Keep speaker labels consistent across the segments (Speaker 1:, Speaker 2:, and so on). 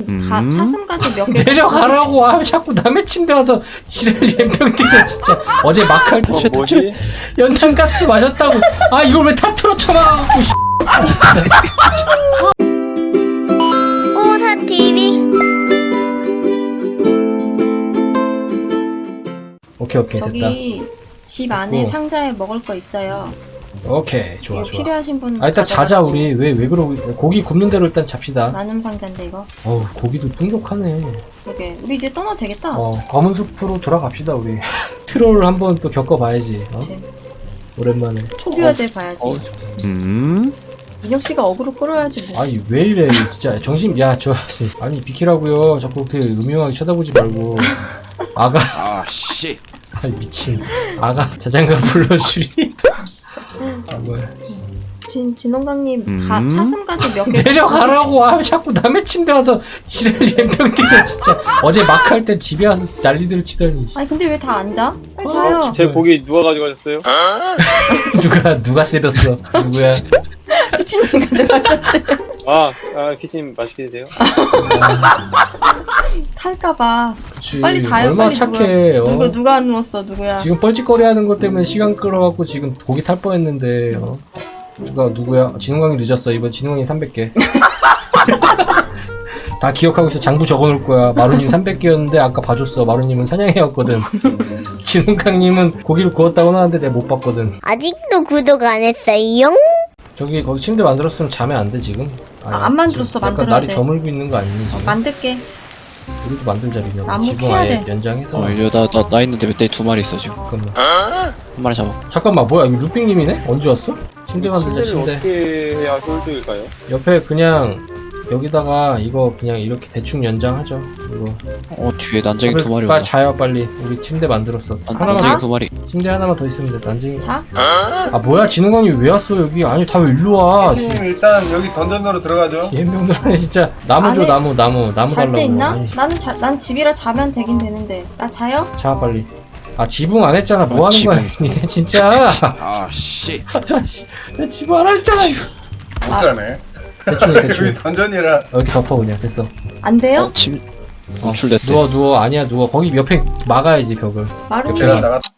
Speaker 1: 사슴까지 몇 개.
Speaker 2: 내려가라고. 아 자꾸 남의 침대 와서 지랄 연병들이야 진짜. 어제 막할 때
Speaker 3: 뭐지?
Speaker 2: 연탄가스 마셨다고. 아 이걸 왜 타투로 쳐맞고.
Speaker 4: 오사 TV.
Speaker 2: 오케이 됐다.
Speaker 1: 저기 집 안에 상자에 먹을 거 있어요.
Speaker 2: 오케이 좋아.
Speaker 1: 필요하신 분.
Speaker 2: 아 일단 자자 우리 왜 그러고 고기 굽는 대로 일단 잡시다.
Speaker 1: 나눔 상자인데 이거.
Speaker 2: 어우 고기도 풍족하네.
Speaker 1: 그러게 우리 이제 떠나도 되겠다.
Speaker 2: 검은 숲으로 돌아갑시다 우리. 트롤을 한번 또 겪어봐야지.
Speaker 1: 그치.
Speaker 2: 오랜만에.
Speaker 1: 초기화돼 봐야지. 민혁 씨가 어그로 끌어야지 뭐.
Speaker 2: 아니 왜 이래 진짜 정신. 아니 비키라고요. 자꾸 그렇게 음흉하게 쳐다보지 말고. 아가.
Speaker 3: 아 씨.
Speaker 2: 아니 미친. 아가 자장가 불러주리. 아 뭐야.
Speaker 1: 진홍강님 사슴까지 몇 개.
Speaker 2: 내려가라고. 아 자꾸 남의 침대 와서 지랄 연병들이야 진짜. 어제 막할 때 집에 와서 난리들 치더니.
Speaker 1: 아니 근데 왜 다 앉아? 빨리 자요.
Speaker 3: 제 고기 누가 가져가셨어요?
Speaker 2: 누가 세볐어. 누구야.
Speaker 1: 미친놈이 가져가셨대.
Speaker 3: 키친 맛있게 드세요.
Speaker 1: 탈까봐.
Speaker 2: 그치.
Speaker 1: 빨리 자요.
Speaker 2: 얼마나
Speaker 1: 빨리
Speaker 2: 착해.
Speaker 1: 누가 누웠어 누구야?
Speaker 2: 지금 뻘짓거리 하는 것 때문에 시간 끌어갖고 지금 고기 탈 뻔했는데. 누구야? 진흥광이 늦었어. 이번 진흥광이 300개. 다 기억하고 있어. 장부 적어놓을 거야. 마루님 300개였는데 아까 봐줬어. 마루님은 사냥해왔거든. 진흥광님은 고기를 구웠다고 하는데 내가 못 봤거든.
Speaker 4: 아직도 구독 안 했어요?
Speaker 2: 저기 거기 침대 만들었으면 자면 안 돼 지금?
Speaker 1: 안 만들었어.
Speaker 2: 지금 약간
Speaker 1: 만들어야
Speaker 2: 날이
Speaker 1: 돼.
Speaker 2: 저물고 있는 거 아니니 지금?
Speaker 1: 만들게.
Speaker 2: 우리도 만들자 민혁아.
Speaker 1: 나무
Speaker 2: 지금
Speaker 1: 캐야
Speaker 2: 아예
Speaker 1: 돼.
Speaker 2: 연장해서.
Speaker 5: 나 있는데 멧돼지 2마리 있어 지금.
Speaker 2: 잠깐만.
Speaker 5: 한 마리 잡아.
Speaker 2: 잠깐만 뭐야 이거 루핑님이네? 언제 왔어? 침대 만들자 침대.
Speaker 3: 어떻게 해야 홀드일까요?
Speaker 2: 옆에 그냥 여기다가 이거 그냥 이렇게 대충 연장하죠. 이거.
Speaker 5: 뒤에 난쟁이 2마리
Speaker 2: 빨리
Speaker 5: 온다.
Speaker 2: 자요 빨리. 우리 침대 만들었어. 하나만
Speaker 5: 난쟁이
Speaker 2: 더,
Speaker 5: 2마리.
Speaker 2: 침대 하나만 더 있으면 돼. 난쟁이.
Speaker 1: 자.
Speaker 2: 아 뭐야 진흥광이 왜 왔어 여기? 아니 다 왜 일로 와?
Speaker 6: 선생님 일단 여기 던전으로 들어가죠.
Speaker 2: 얘명들 안에 진짜 나무 줘
Speaker 1: 안에
Speaker 2: 나무
Speaker 1: 잘
Speaker 2: 달라고.
Speaker 1: 때 있나?
Speaker 2: 아니,
Speaker 1: 난 집이라 자면 되긴 되는데. 나 자요?
Speaker 2: 자 빨리. 아 지붕 안 했잖아. 뭐 하는
Speaker 5: 지붕.
Speaker 2: 거야 니네 진짜.
Speaker 3: 아 씨.
Speaker 2: 아씨 나 지붕 안 했잖아.
Speaker 6: 못하네.
Speaker 2: 대충
Speaker 6: 여기
Speaker 2: 대충.
Speaker 6: 던전이라.
Speaker 2: 여기 덮어 그냥 됐어.
Speaker 1: 안 돼요?
Speaker 5: 노출됐대.
Speaker 2: 누워 아니야 누워. 거기 옆에 막아야지 벽을.
Speaker 1: 마루
Speaker 2: 제가
Speaker 6: 제가 나가.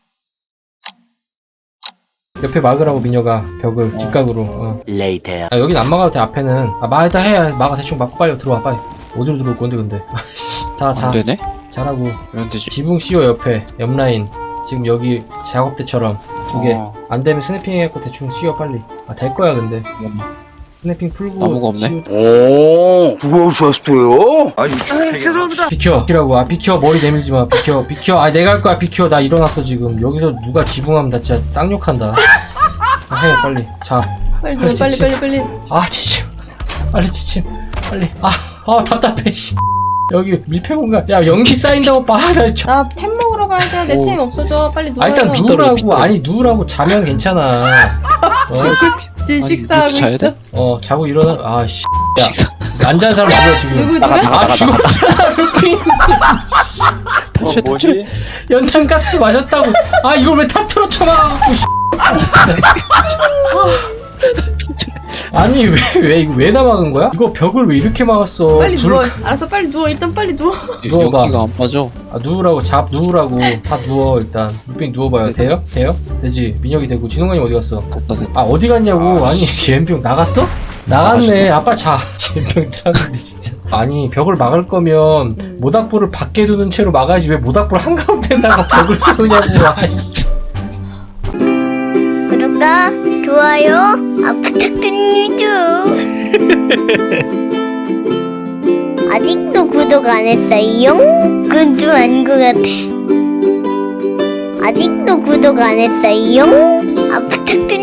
Speaker 2: 옆에 막으라고 민혁아 벽을 직각으로. 아 여긴 안 막아도 돼. 앞에는 막다 해. 막아 대충 막고 빨리 들어와 빨리. 어디로 들어올 건데 근데. 자
Speaker 5: 안 되네?
Speaker 2: 자라고.
Speaker 5: 왜 안 되지?
Speaker 2: 지붕 씌워 옆에 옆라인. 지금 여기 작업대처럼 2개. 안 되면 스냅핑 해갖고 대충 씌워 빨리. 될 거야 근데. 스냅핑 풀고.
Speaker 5: 나무가 없네?
Speaker 7: 오, 그러셨어요? 아니,
Speaker 6: 죄송합니다.
Speaker 2: 비켜. 비켜. 머리 내밀지 마. 비켜. 아 내가 할 거야. 비켜. 나 일어났어 지금. 여기서 누가 지붕하면 나 진짜 쌍욕한다. 해 빨리. 자.
Speaker 1: 빨리 누워 빨리.
Speaker 2: 아 지침. 빨리 지침. 빨리. 답답해. 씨. 여기 밀폐 공간. 야 연기 쌓인다고 봐.
Speaker 1: 나 템 먹으러 가야 돼. 내 템 없어져. 빨리 누워요.
Speaker 2: 일단 누우라고. 아니 누우라고. 자면 괜찮아.
Speaker 1: 질식사하고
Speaker 5: 자야
Speaker 1: 있어.
Speaker 5: 돼?
Speaker 2: 자고 일어나. 아씨. 야. 안 잔 사람 누구야 지금?
Speaker 1: 누가?
Speaker 2: 죽었잖아 루피.
Speaker 3: 뭐지?
Speaker 2: 연탄가스 마셨다고. 아 이걸 왜 타투로 쳐맞고. 아니 왜 이거 왜 다 막은 거야? 이거 벽을 왜 이렇게 막았어?
Speaker 1: 빨리 누워. 알았어 빨리 누워. 일단 빨리 누워.
Speaker 2: 누워봐.
Speaker 5: 여기가 안 빠져.
Speaker 2: 누우라고. 다 누워 일단. 루핑 누워봐요. 돼요? 되지. 민혁이 되고. 진홍관이 어디 갔어?
Speaker 5: 됐다.
Speaker 2: 어디 갔냐고. 아니 옌병 나갔어? 나갔네. 아빠 자. 옌병 들어갔는데 진짜. 아니 벽을 막을 거면 모닥불을 밖에 두는 채로 막아야지. 왜 모닥불 한가운데다가 벽을 세우냐고. 아이씨.
Speaker 4: 구독과 좋아요 부탁드립니다. 아직도 구독 안 했어요? 그건 좀 아닌 것 같아. 아직도 구독 안 했어요? 부탁드립니다.